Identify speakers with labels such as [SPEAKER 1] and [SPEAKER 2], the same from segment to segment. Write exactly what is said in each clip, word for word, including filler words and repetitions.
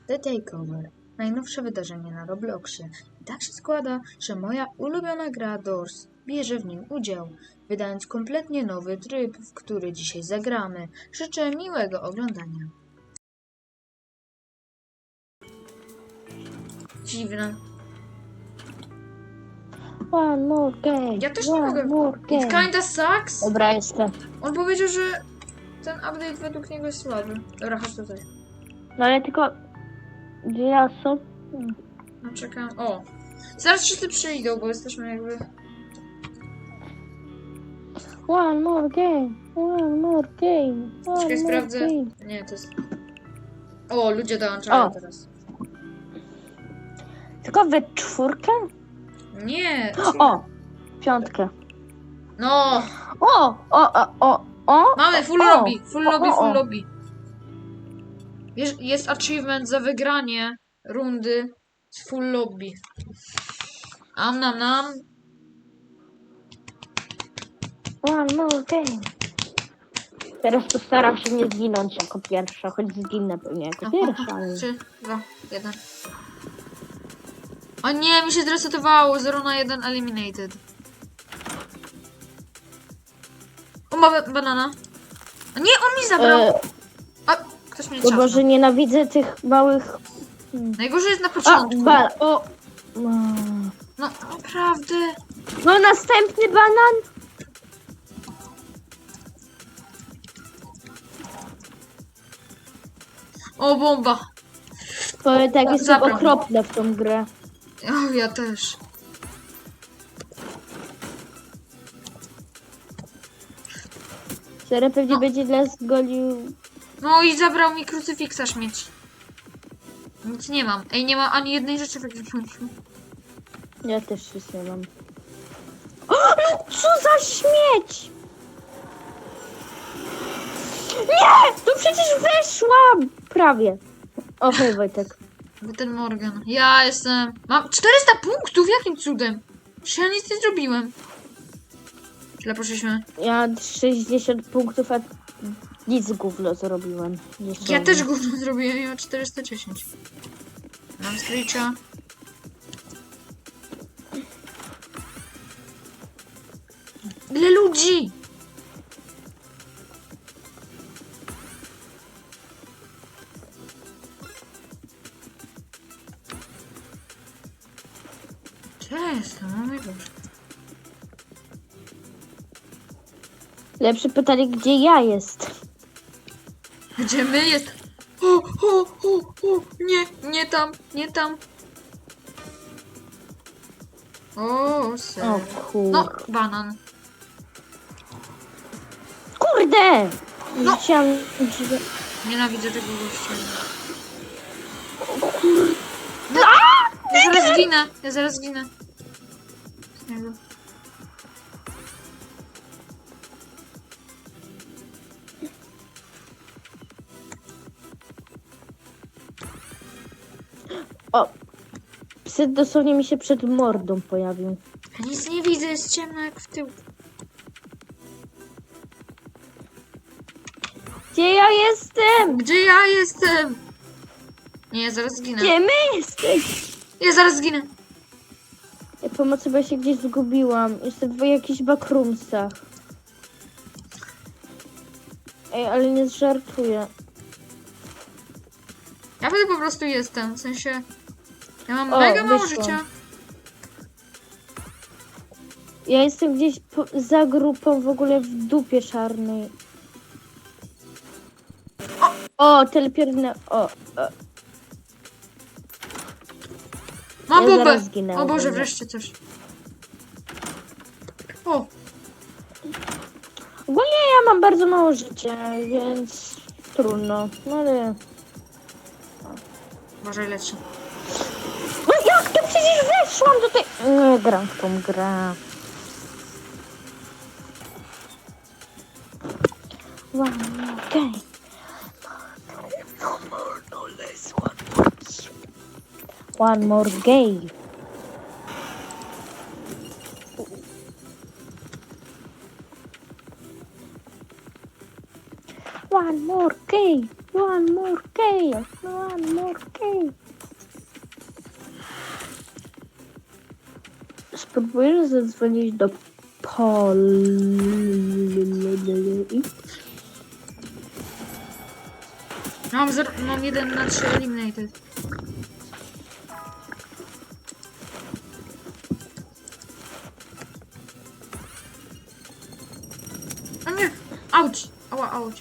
[SPEAKER 1] The Takeover. Najnowsze wydarzenie na Robloxie. I tak się składa, że moja ulubiona gra Doors bierze w nim udział, wydając kompletnie nowy tryb, w który dzisiaj zagramy. Życzę miłego oglądania. Dziwne.
[SPEAKER 2] One more game.
[SPEAKER 1] Ja też nie
[SPEAKER 2] One
[SPEAKER 1] mogę.
[SPEAKER 2] more
[SPEAKER 1] It
[SPEAKER 2] game.
[SPEAKER 1] kinda sucks.
[SPEAKER 2] Dobra, jestem.
[SPEAKER 1] On powiedział, że ten update według niego jest słaby. Dobra, chodź tutaj.
[SPEAKER 2] No ale tylko... Gdzie ja są?
[SPEAKER 1] No czekam. O! Zaraz wszyscy przyjdą, bo jesteśmy jakby...
[SPEAKER 2] One more game. One more game. One
[SPEAKER 1] Czekaj,
[SPEAKER 2] more
[SPEAKER 1] sprawdzę.
[SPEAKER 2] game.
[SPEAKER 1] Nie, to jest... O, ludzie dołączają
[SPEAKER 2] O.
[SPEAKER 1] teraz.
[SPEAKER 2] Tylko we czwórkę?
[SPEAKER 1] Nie!
[SPEAKER 2] O! Piątkę.
[SPEAKER 1] No!
[SPEAKER 2] O! O! O! O! o.
[SPEAKER 1] Mamy full
[SPEAKER 2] o,
[SPEAKER 1] lobby! Full
[SPEAKER 2] o,
[SPEAKER 1] lobby,
[SPEAKER 2] o,
[SPEAKER 1] full
[SPEAKER 2] o.
[SPEAKER 1] lobby. Jest, jest achievement za wygranie rundy z full lobby. Am nam nam.
[SPEAKER 2] One more game. Teraz postaram się nie zginąć jako pierwsza, choć zginę pewnie jako pierwsza, ale...
[SPEAKER 1] trzy, dwa, jeden. O nie, mi się zresetowało. zero na jeden eliminated. O, ma ba- banana. O nie, on mi zabrał.
[SPEAKER 2] E,
[SPEAKER 1] A, ktoś mnie
[SPEAKER 2] to
[SPEAKER 1] ciasnął.
[SPEAKER 2] może nienawidzę tych małych...
[SPEAKER 1] Najgorzej jest na
[SPEAKER 2] A,
[SPEAKER 1] początku.
[SPEAKER 2] ba... O! No.
[SPEAKER 1] No, naprawdę.
[SPEAKER 2] No następny banan!
[SPEAKER 1] O, bomba.
[SPEAKER 2] Powiem tak, jestem
[SPEAKER 1] Zabrał.
[SPEAKER 2] okropna w tą grę.
[SPEAKER 1] O, ja też.
[SPEAKER 2] Serio pewnie
[SPEAKER 1] No.
[SPEAKER 2] będzie dla zgolił...
[SPEAKER 1] No i zabrał mi krucyfiksa śmieć. Nic nie mam. Ej, nie ma ani jednej rzeczy w ekwipunku.
[SPEAKER 2] Ja też nic nie mam. O, no co za śmieć! Nie! Tu przecież weszłam! Prawie. O, hej Wojtek.
[SPEAKER 1] Bo ten Morgan. Ja jestem... Mam czterysta punktów? Jakim cudem? Przecież ja nic nie zrobiłem. Źle poszliśmy.
[SPEAKER 2] Ja sześćdziesiąt punktów, a nic gówno zrobiłem.
[SPEAKER 1] Ja
[SPEAKER 2] Dosłownie.
[SPEAKER 1] też gówno zrobiłem. Ja mam czterysta dziesięć. Mam screecha. Ile ludzi? Gdzie ja jestem? O mój Boże.
[SPEAKER 2] Lepsze pytanie, gdzie ja jestem?
[SPEAKER 1] Gdzie my jest? O, o, o, o, nie, nie tam, nie tam. O, ser.
[SPEAKER 2] O kur...
[SPEAKER 1] No, banan.
[SPEAKER 2] Kurde!
[SPEAKER 1] No.
[SPEAKER 2] Chciałam... że-
[SPEAKER 1] Nienawidzę tego gościa.
[SPEAKER 2] O kur...
[SPEAKER 1] No, ja zaraz zginę, ja zaraz zginę. Z niego.
[SPEAKER 2] O! Psy dosłownie mi się przed mordą pojawił.
[SPEAKER 1] Ja nic nie widzę, jest ciemno jak w tył.
[SPEAKER 2] Gdzie ja jestem?
[SPEAKER 1] Gdzie ja jestem? Nie, ja zaraz zginę.
[SPEAKER 2] Gdzie my jesteś?
[SPEAKER 1] Ja zaraz zginę.
[SPEAKER 2] Ja pomocy, bo ja się gdzieś zgubiłam. Jestem w jakichś backroomsach. Ej, ale nie żartuję.
[SPEAKER 1] Ja wtedy po prostu jestem, w sensie... Ja mam
[SPEAKER 2] O,
[SPEAKER 1] mega mało
[SPEAKER 2] wyszłam.
[SPEAKER 1] życia.
[SPEAKER 2] Ja jestem gdzieś po, za grupą w ogóle w dupie czarnej. O, telepierne... O, o.
[SPEAKER 1] Mam
[SPEAKER 2] Ja
[SPEAKER 1] bombę!
[SPEAKER 2] zaraz zginę
[SPEAKER 1] O Boże,
[SPEAKER 2] ogólnie.
[SPEAKER 1] wreszcie coś. O,
[SPEAKER 2] Ogólnie ja mam bardzo mało życia, więc trudno. No ale...
[SPEAKER 1] uważaj, leci.
[SPEAKER 2] No jak to przecież weszłam do tej... Nie gram w tą grę. Wow, okej. No more, no less, one more. One more game. One more game. One more chaos, one more chaos. Spróbuję zadzwonić do Poli.
[SPEAKER 1] Mam, zero, mam jeden na trzy eliminated. O nie! Auć! Ała, auć.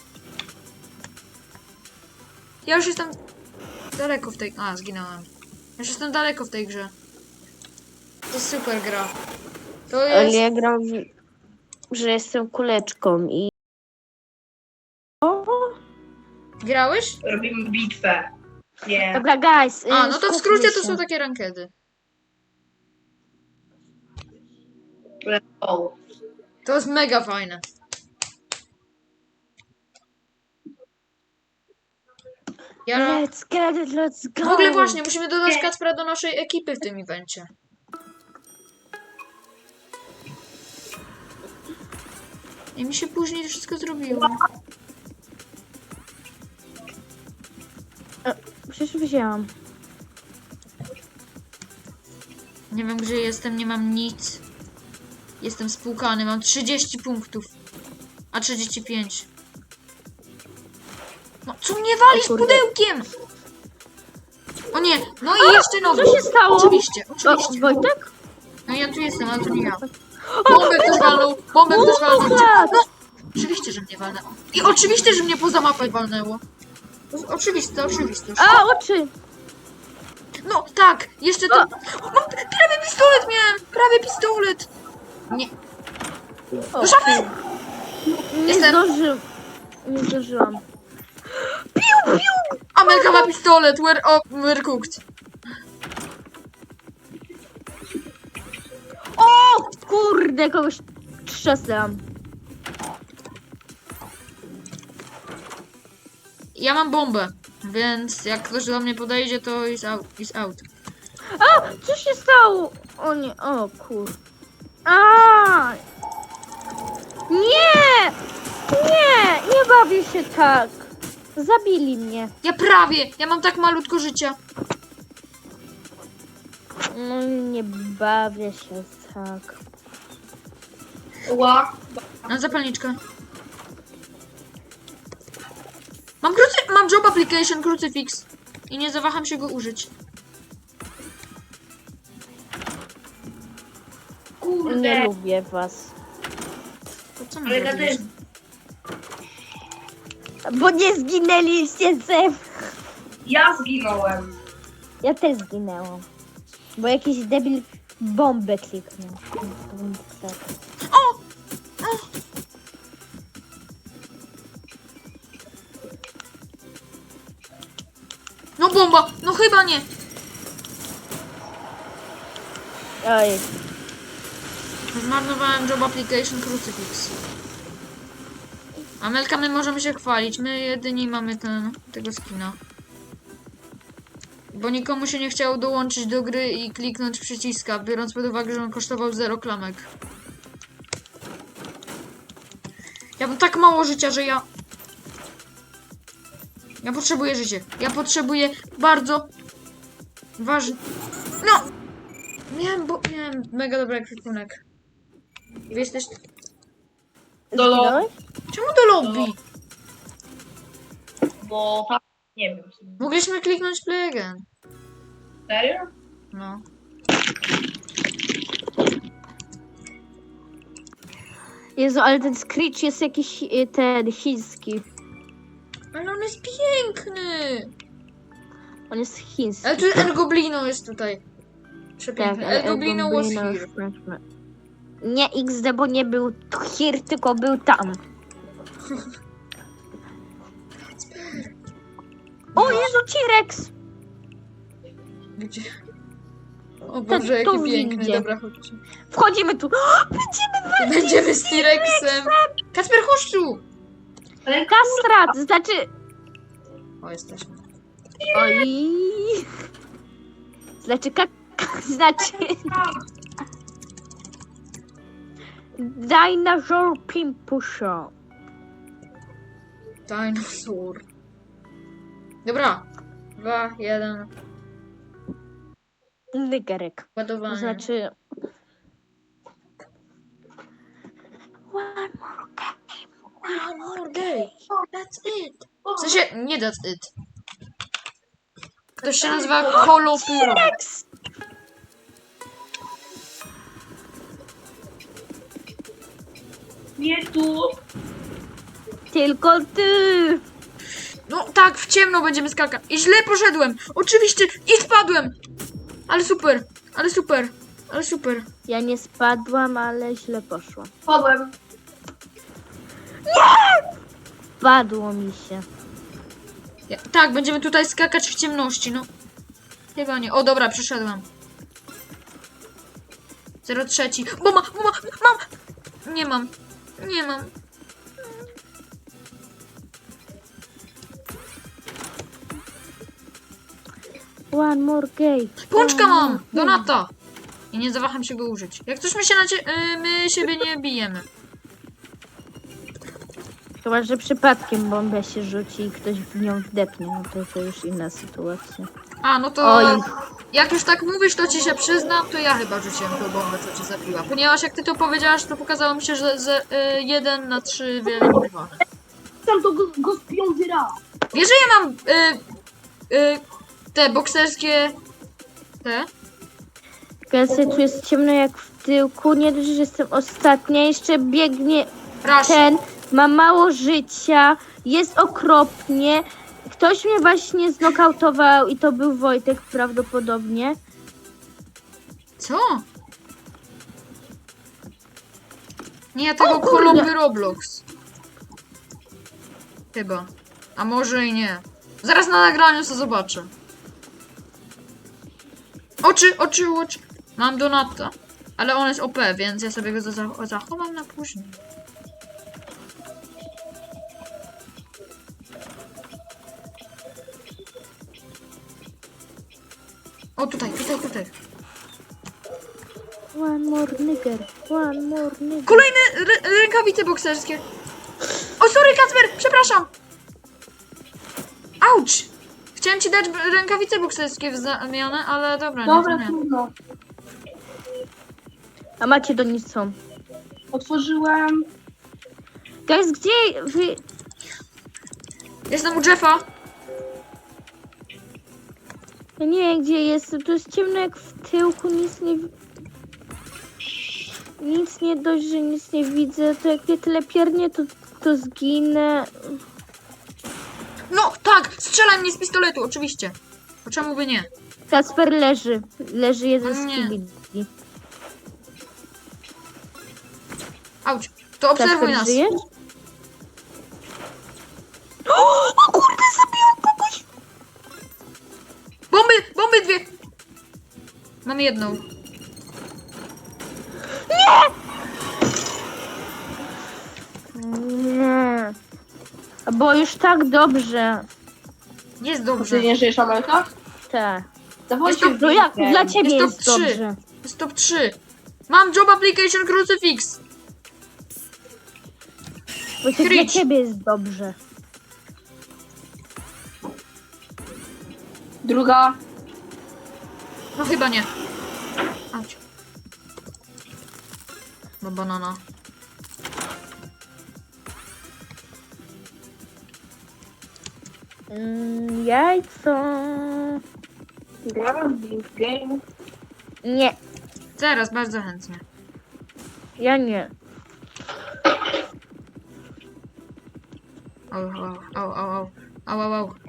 [SPEAKER 1] Ja już jestem daleko w tej... A, zginąłem. Ja już jestem daleko w tej grze. To jest super gra. To
[SPEAKER 2] Ale
[SPEAKER 1] jest...
[SPEAKER 2] ja gram, w... że jestem kuleczką i... O!
[SPEAKER 1] Grałeś?
[SPEAKER 3] Robimy bitwę. Nie.
[SPEAKER 2] Dobra, guys.
[SPEAKER 1] A,
[SPEAKER 2] y,
[SPEAKER 1] no to w
[SPEAKER 2] skupmy
[SPEAKER 1] skrócie to
[SPEAKER 2] się.
[SPEAKER 1] są takie rankedy.
[SPEAKER 3] Let's go.
[SPEAKER 1] To jest mega fajne. Ja...
[SPEAKER 2] Let's get it, let's go.
[SPEAKER 1] W ogóle właśnie, musimy dodać Kacpra do naszej ekipy w tym evencie. I mi się później wszystko zrobiło.
[SPEAKER 2] Przecież wzięłam.
[SPEAKER 1] Nie wiem gdzie jestem, nie mam nic. Jestem spłukany, mam trzydzieści punktów. A trzydzieści pięć. No co mnie walisz
[SPEAKER 2] O kurde.
[SPEAKER 1] pudełkiem? O nie, no i jeszcze nowy.
[SPEAKER 2] Co się stało?
[SPEAKER 1] Oczywiście,
[SPEAKER 2] O,
[SPEAKER 1] oczywiście.
[SPEAKER 2] Wojtek?
[SPEAKER 1] No ja tu jestem, ale to nie ja. Bombę ktoś walnął, bombę ktoś walnął. No, oczywiście, że mnie walnęło. I oczywiście, że mnie poza mapę walnęło. Oczywiste, oczywiste.
[SPEAKER 2] A, oczy.
[SPEAKER 1] No tak, jeszcze to... O, mam prawie pistolet miałem! Prawie pistolet! Nie,
[SPEAKER 2] O,
[SPEAKER 1] szafy!
[SPEAKER 2] Nie
[SPEAKER 1] Jestem.
[SPEAKER 2] zdążyłam. Nie zdążyłam.
[SPEAKER 1] Amelka ma pistolet, we're, oh, we're cooked.
[SPEAKER 2] O, kurde, kogoś trzasnęłam.
[SPEAKER 1] Ja mam bombę, więc jak ktoś do mnie podejdzie, to is out. Is out.
[SPEAKER 2] A, co się stało? O nie, o kur... A! Nie! Nie! Nie bawię się tak. Zabili mnie.
[SPEAKER 1] Ja prawie, ja mam tak malutko życia.
[SPEAKER 2] No nie bawię się tak.
[SPEAKER 3] Ła.
[SPEAKER 1] Mam zapalniczkę. Mam krucy... Mam job application, krucyfix. I nie zawaham się go użyć.
[SPEAKER 3] Kurde.
[SPEAKER 2] Nie lubię was.
[SPEAKER 1] To co my
[SPEAKER 3] Ale ja
[SPEAKER 1] zrobiliśmy?
[SPEAKER 2] Bo nie zginęliście ze mną.
[SPEAKER 3] Ja zginąłem.
[SPEAKER 2] Ja też zginęłam. Bo jakiś debil bombę kliknął.
[SPEAKER 1] O! O! No bomba! No chyba nie!
[SPEAKER 2] Oj.
[SPEAKER 1] Zmarnowałem job application crucifix. Amelka, my możemy się chwalić. My jedyni mamy ten, tego skina. Bo nikomu się nie chciało dołączyć do gry i kliknąć przyciska, biorąc pod uwagę, że on kosztował zero klamek. Ja mam tak mało życia, że ja... Ja potrzebuję życia. Ja potrzebuję bardzo... Ważny... No! Miałem, bo... Miałem mega dobry ekwipunek. Wy jesteś...
[SPEAKER 3] Do lo...
[SPEAKER 2] Zginąłeś?
[SPEAKER 1] Czemu do lobby?
[SPEAKER 3] Bo tam... Nie wiem.
[SPEAKER 1] Mogliśmy kliknąć play again.
[SPEAKER 3] Serio?
[SPEAKER 1] No.
[SPEAKER 2] Jezu, ale ten Screech jest jakiś y, ten chiński.
[SPEAKER 1] Ale on jest piękny!
[SPEAKER 2] On jest chiński.
[SPEAKER 1] Ale tu El Goblino jest tutaj. Przepiękny.
[SPEAKER 2] ale
[SPEAKER 1] El Goblino was
[SPEAKER 2] Goblino
[SPEAKER 1] here.
[SPEAKER 2] już znaczy- Nie X D, bo nie był here, tylko był tam. O Jezu, T-Rex!
[SPEAKER 1] Gdzie? O Boże,
[SPEAKER 2] Ten tu
[SPEAKER 1] jaki piękny.
[SPEAKER 2] windzie.
[SPEAKER 1] Dobra, chodźcie.
[SPEAKER 2] Wchodzimy tu. Będziemy walczyć
[SPEAKER 1] Będziemy z T-Rexem. Kacper, chodź tu!
[SPEAKER 3] Ale
[SPEAKER 2] Kastrat, znaczy...
[SPEAKER 1] O, jesteśmy.
[SPEAKER 2] Oj. Znaczy kak... Znaczy... Dinosaur Pimpusho.
[SPEAKER 1] Dinosaur. Dobra. Dwa, jeden.
[SPEAKER 2] Nygerek.
[SPEAKER 1] Ładowanie.
[SPEAKER 2] To znaczy... One more game.
[SPEAKER 1] One more day. That's it. W sensie, nie that's it. To się nazywa Kolopyro.
[SPEAKER 3] Nie tu.
[SPEAKER 2] Tylko ty!
[SPEAKER 1] No tak, w ciemno będziemy skakać. I źle poszedłem. Oczywiście. I spadłem. Ale super. Ale super. Ale super.
[SPEAKER 2] Ja nie spadłam, ale źle poszło.
[SPEAKER 3] Padłem.
[SPEAKER 2] Padło mi się.
[SPEAKER 1] Ja, tak, będziemy tutaj skakać w ciemności, no. Chyba nie. O, dobra, przeszedłem. zero trzeci. Bo ma, bo ma, mam. Nie mam. Nie mam.
[SPEAKER 2] One more game.
[SPEAKER 1] Pączka
[SPEAKER 2] One
[SPEAKER 1] mam!
[SPEAKER 2] more game.
[SPEAKER 1] Donata! I nie zawaham się go użyć. Jak coś my się na cie... y, my siebie nie bijemy.
[SPEAKER 2] Chyba, że przypadkiem bomba się rzuci i ktoś w nią wdepnie, no to to już inna sytuacja.
[SPEAKER 1] A, no to...
[SPEAKER 2] Oj.
[SPEAKER 1] Jak już tak mówisz, to ci się przyznam, to ja chyba rzuciłem tę bombę, co cię zabiła. Ponieważ jak ty to powiedziałaś, to pokazało mi się, że z jeden na trzy wyeliminowane.
[SPEAKER 3] Tam to go, go z piąty raz.
[SPEAKER 1] Wiesz, że ja mam y, y, te bokserskie... Te?
[SPEAKER 2] Gęsy, tu jest ciemno jak w tyłku, nie dość, że jestem ostatnia, jeszcze biegnie
[SPEAKER 1] Rush.
[SPEAKER 2] ten, ma mało życia, jest okropnie. Ktoś mnie właśnie znokautował i to był Wojtek prawdopodobnie.
[SPEAKER 1] Co? Nie, ja tego
[SPEAKER 2] O kurde.
[SPEAKER 1] Kolomby Roblox. Chyba. A może i nie. Zaraz na nagraniu co zobaczę. Oczy, oczy, oczy. Mam Donata. Ale on jest O P, więc ja sobie go za- zachowam na później. O, tutaj, tutaj, tutaj.
[SPEAKER 2] One more nigger, one more nigger.
[SPEAKER 1] Kolejne rę- rękawice bokserskie. O, sorry, Kacper, przepraszam. Auć. Chciałem ci dać b- rękawice bokserskie w zamianę, ale dobra, nie, to
[SPEAKER 3] Dobra,
[SPEAKER 1] nie.
[SPEAKER 3] trudno.
[SPEAKER 2] A macie do nic są.
[SPEAKER 3] Otworzyłem.
[SPEAKER 2] Guys, gdzie wy...
[SPEAKER 1] Jestem u Jeffa.
[SPEAKER 2] Ja nie wiem, gdzie jestem, tu jest ciemno jak w tyłku, nic nie... wi- Nic nie dość, że nic nie widzę, to jak mnie tyle piernie, to, to zginę.
[SPEAKER 1] No, tak, strzelaj mnie z pistoletu, oczywiście. Bo czemu by nie?
[SPEAKER 2] Kasper leży, leży jeden z
[SPEAKER 1] Nie.
[SPEAKER 2] kibili.
[SPEAKER 1] Auć. To obserwuj
[SPEAKER 2] Kasper,
[SPEAKER 1] nas.
[SPEAKER 2] żyjesz? O, o kurde, zabiłam kogoś!
[SPEAKER 1] Bomby, bomby dwie. Mam jedną.
[SPEAKER 2] Nie. Bo już tak dobrze.
[SPEAKER 1] Jest dobrze.
[SPEAKER 3] Ty nie żyjesz, Amelka?
[SPEAKER 2] Tak.
[SPEAKER 3] Dawajcie
[SPEAKER 1] Jest to-
[SPEAKER 2] No jak
[SPEAKER 3] winkę.
[SPEAKER 2] dla ciebie
[SPEAKER 1] Jest
[SPEAKER 2] jest,
[SPEAKER 1] top trzy.
[SPEAKER 2] dobrze.
[SPEAKER 1] Jest top trzy. Mam job application crucifix.
[SPEAKER 2] Bo to dla
[SPEAKER 1] Kryć.
[SPEAKER 2] ciebie jest dobrze.
[SPEAKER 3] Druga.
[SPEAKER 1] No chyba nie. Auć. No banana.
[SPEAKER 2] Mm, jajco.
[SPEAKER 3] Grałem w game.
[SPEAKER 2] Nie,
[SPEAKER 1] Teraz bardzo chętnie.
[SPEAKER 2] ja nie.
[SPEAKER 1] Au, au, au, au, au, au, au, au.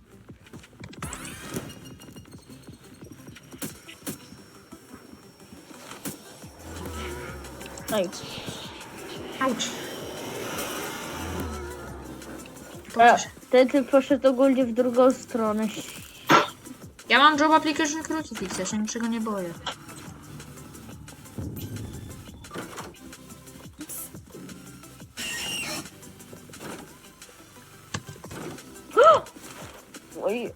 [SPEAKER 2] Oj.
[SPEAKER 1] Auć.
[SPEAKER 2] A, wtedy poszedł ogólnie w drugą stronę.
[SPEAKER 1] Ja mam job application crucifix, ja się niczego nie boję.
[SPEAKER 2] Oj.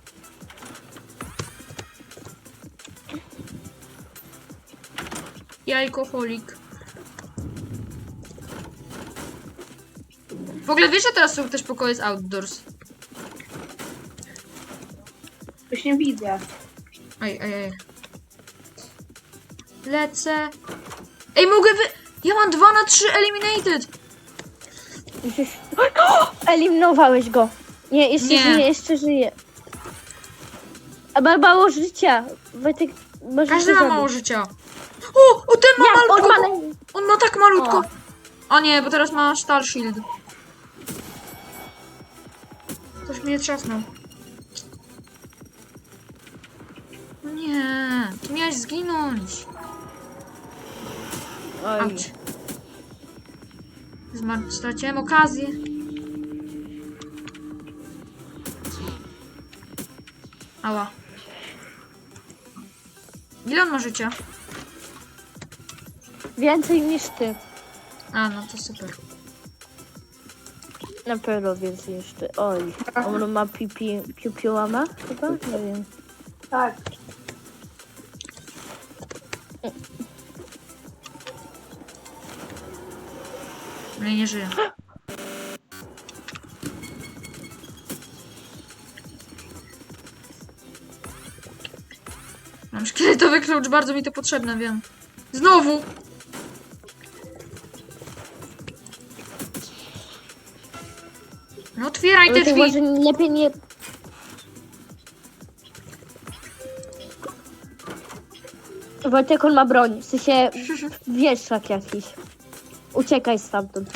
[SPEAKER 1] Jajkoholik. W ogóle wiesz, że teraz są też pokoje z outdoors.
[SPEAKER 3] Już nie widzę.
[SPEAKER 1] Ej, ej, ej. Lecę. Ej, mogę wy... Ja mam dwa na trzy eliminated.
[SPEAKER 2] Gdzieś- O! Eliminowałeś go. Nie, jeszcze
[SPEAKER 1] Nie.
[SPEAKER 2] żyje, jeszcze żyje. A ma mało życia. Wojtek, możesz
[SPEAKER 1] Każdy
[SPEAKER 2] go
[SPEAKER 1] ma
[SPEAKER 2] zabić.
[SPEAKER 1] mało życia. O, o ten ma
[SPEAKER 2] Nie, on
[SPEAKER 1] malutko.
[SPEAKER 2] ma naj...
[SPEAKER 1] On ma tak malutko.
[SPEAKER 2] O.
[SPEAKER 1] O nie, bo teraz ma Star Shield. Ktoś mnie trzasnął. No nie, ty miałeś zginąć.
[SPEAKER 2] Oj.
[SPEAKER 1] Auć. Zmar- straciłem okazję. Ała. Ile on ma życia?
[SPEAKER 2] Więcej niż ty.
[SPEAKER 1] A, no to super.
[SPEAKER 2] Na pewno więcej niż ty. Oj. On ma pipi... piupiłama chyba? Nie wiem.
[SPEAKER 3] Tak.
[SPEAKER 1] No i nie żyje. Mam szkieletowy klucz, bardzo mi to potrzebne, wiem. Znowu! No otwieraj te
[SPEAKER 2] Wojtek,
[SPEAKER 1] drzwi!
[SPEAKER 2] może lepiej nie... Wojtek, on ma broń. W sensie wieszak jakiś. Uciekaj stamtąd.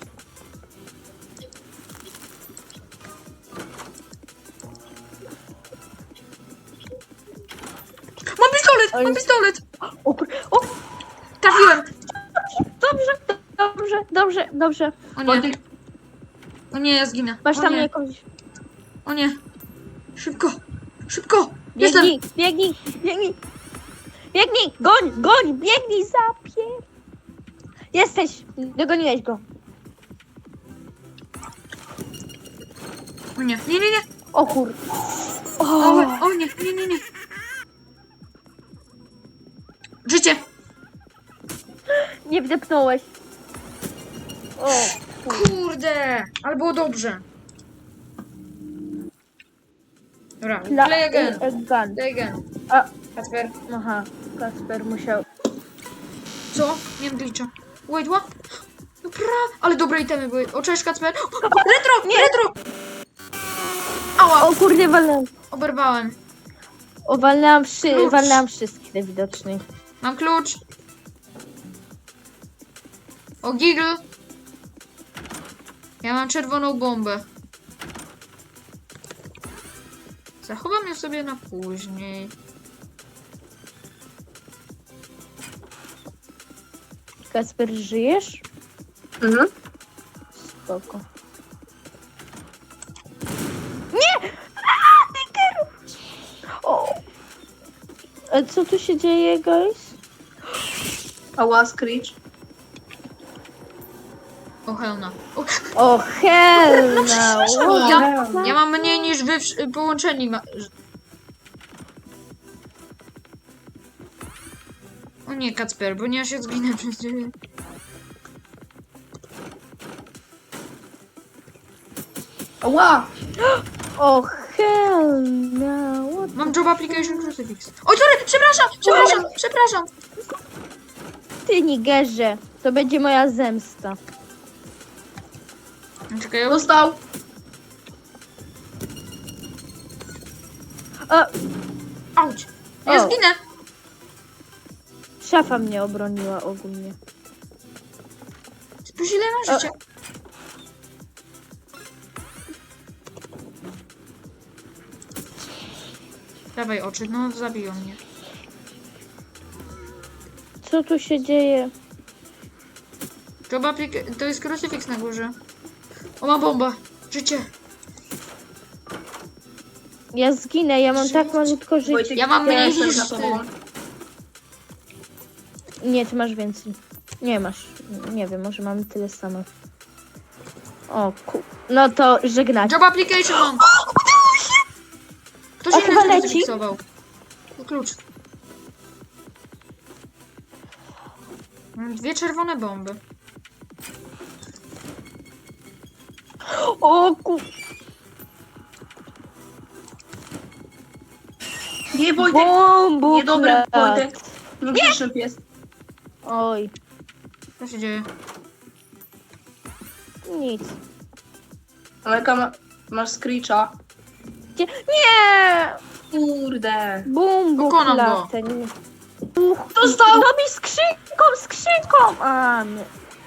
[SPEAKER 1] Mam pistolet!
[SPEAKER 2] Ale-
[SPEAKER 1] Mam pistolet!
[SPEAKER 2] O, kur- o,
[SPEAKER 1] Trafiłem!
[SPEAKER 2] dobrze, dobrze, dobrze, dobrze.
[SPEAKER 1] O nie,
[SPEAKER 3] Wojtek,
[SPEAKER 1] o nie, ja zginę.
[SPEAKER 2] Masz
[SPEAKER 1] O
[SPEAKER 2] tam
[SPEAKER 1] nie,
[SPEAKER 2] jakąś...
[SPEAKER 1] o nie. Szybko, szybko! Jestem!
[SPEAKER 2] Biegnij, biegnij, biegnij. Biegnij, goń, goń, biegnij, zapier... Jesteś, dogoniłeś go.
[SPEAKER 1] O nie, nie, nie, nie!
[SPEAKER 2] O kur...
[SPEAKER 1] O,
[SPEAKER 2] O,
[SPEAKER 1] o nie, nie, nie, nie! Życie!
[SPEAKER 2] nie wdepnąłeś. O,
[SPEAKER 1] Kurde! Ale było dobrze. Dobra,
[SPEAKER 2] Dla...
[SPEAKER 1] play again.
[SPEAKER 2] e, gun.
[SPEAKER 1] Play again.
[SPEAKER 2] A,
[SPEAKER 1] Kacper.
[SPEAKER 2] aha, Kasper musiał...
[SPEAKER 1] Co? Miałem glitcha. Wait, what? No pra... Ale dobre itemy były. O, cześć, Kacper. O, retro! Nie. Retro! Ała!
[SPEAKER 2] O kurde, walnęłam.
[SPEAKER 1] Oberwałem.
[SPEAKER 2] O, walnęłam, wszy...
[SPEAKER 1] Klucz.
[SPEAKER 2] walnęłam wszystkich najwidoczniej.
[SPEAKER 1] Mam klucz. O, giggle. Ja mam czerwoną bombę. Zachowam ją sobie na później.
[SPEAKER 2] Kasper, żyjesz?
[SPEAKER 3] Mhm.
[SPEAKER 2] Spoko. Nie! A, Nickeru! O! A co tu się dzieje, guys?
[SPEAKER 3] Ała, Screech.
[SPEAKER 1] O, helna. O,
[SPEAKER 2] O, hell no!
[SPEAKER 1] ja, ja mam mniej niż wy wsz- połączeni. Ma... O nie, Kacper, bo nie ja się zginę przez ciebie.
[SPEAKER 3] Ała!
[SPEAKER 2] O, hell no! What
[SPEAKER 1] Mam job application crucifix. Oj, sorry, przepraszam, przepraszam, przepraszam.
[SPEAKER 2] ty, Nigerze? To będzie moja zemsta.
[SPEAKER 1] Czekaj, ja...
[SPEAKER 3] Dostał!
[SPEAKER 2] O,
[SPEAKER 1] Auć. Ja
[SPEAKER 2] O.
[SPEAKER 1] zginę.
[SPEAKER 2] szafa mnie obroniła ogólnie.
[SPEAKER 1] Spójrz, ile mam życia. Dawaj oczy, no zabiją mnie.
[SPEAKER 2] Co tu się dzieje?
[SPEAKER 1] Job applica- to jest crucifix na górze. O, ma bomba. Życie.
[SPEAKER 2] Ja zginę, ja mam
[SPEAKER 1] Żyć.
[SPEAKER 2] tak malutko życia.
[SPEAKER 3] Wojtek,
[SPEAKER 1] Ja mam mniej
[SPEAKER 3] jestem
[SPEAKER 1] niż
[SPEAKER 3] za
[SPEAKER 1] ty.
[SPEAKER 3] tobą.
[SPEAKER 2] Nie, ty masz więcej. Nie masz. Nie wiem, może mamy tyle samo. O, ku... No to żegnać.
[SPEAKER 1] Job application mam. Ktoś
[SPEAKER 2] A
[SPEAKER 1] inny
[SPEAKER 2] chyba leci?
[SPEAKER 1] zrefiksował. To klucz. Mam dwie czerwone bomby.
[SPEAKER 2] O ku...
[SPEAKER 3] Nie, Wojtek!
[SPEAKER 2] Bombu
[SPEAKER 3] Niedobry
[SPEAKER 2] klat.
[SPEAKER 3] Wojtek. Niegrzeczny pies.
[SPEAKER 2] Oj,
[SPEAKER 1] Co się dzieje?
[SPEAKER 2] nic.
[SPEAKER 3] Amelka, ma, masz Screecha.
[SPEAKER 2] Gdzie? Nie!
[SPEAKER 3] Kurde.
[SPEAKER 2] Bombu
[SPEAKER 1] Pokonam go.
[SPEAKER 2] klatę. Nie. Uch,
[SPEAKER 3] Dostał!
[SPEAKER 2] Robi skrzynką, skrzynką! A, nie.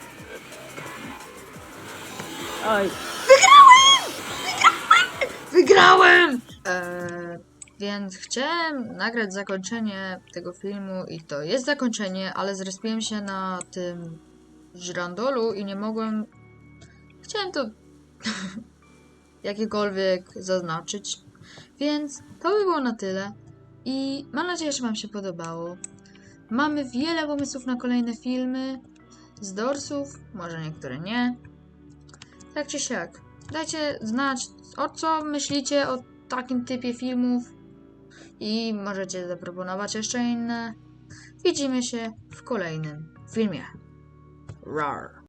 [SPEAKER 2] Oj.
[SPEAKER 1] Wygrałem! Eee, więc chciałem nagrać zakończenie tego filmu i to jest zakończenie, ale zrespiłem się na tym żyrandolu i nie mogłem... Chciałem to jakiekolwiek zaznaczyć, więc to by było na tyle i mam nadzieję, że wam się podobało. Mamy wiele pomysłów na kolejne filmy z dorsów, może niektóre nie. Tak czy siak, dajcie znać, o co myślicie o takim typie filmów i możecie zaproponować jeszcze inne. Widzimy się w kolejnym filmie. Rar.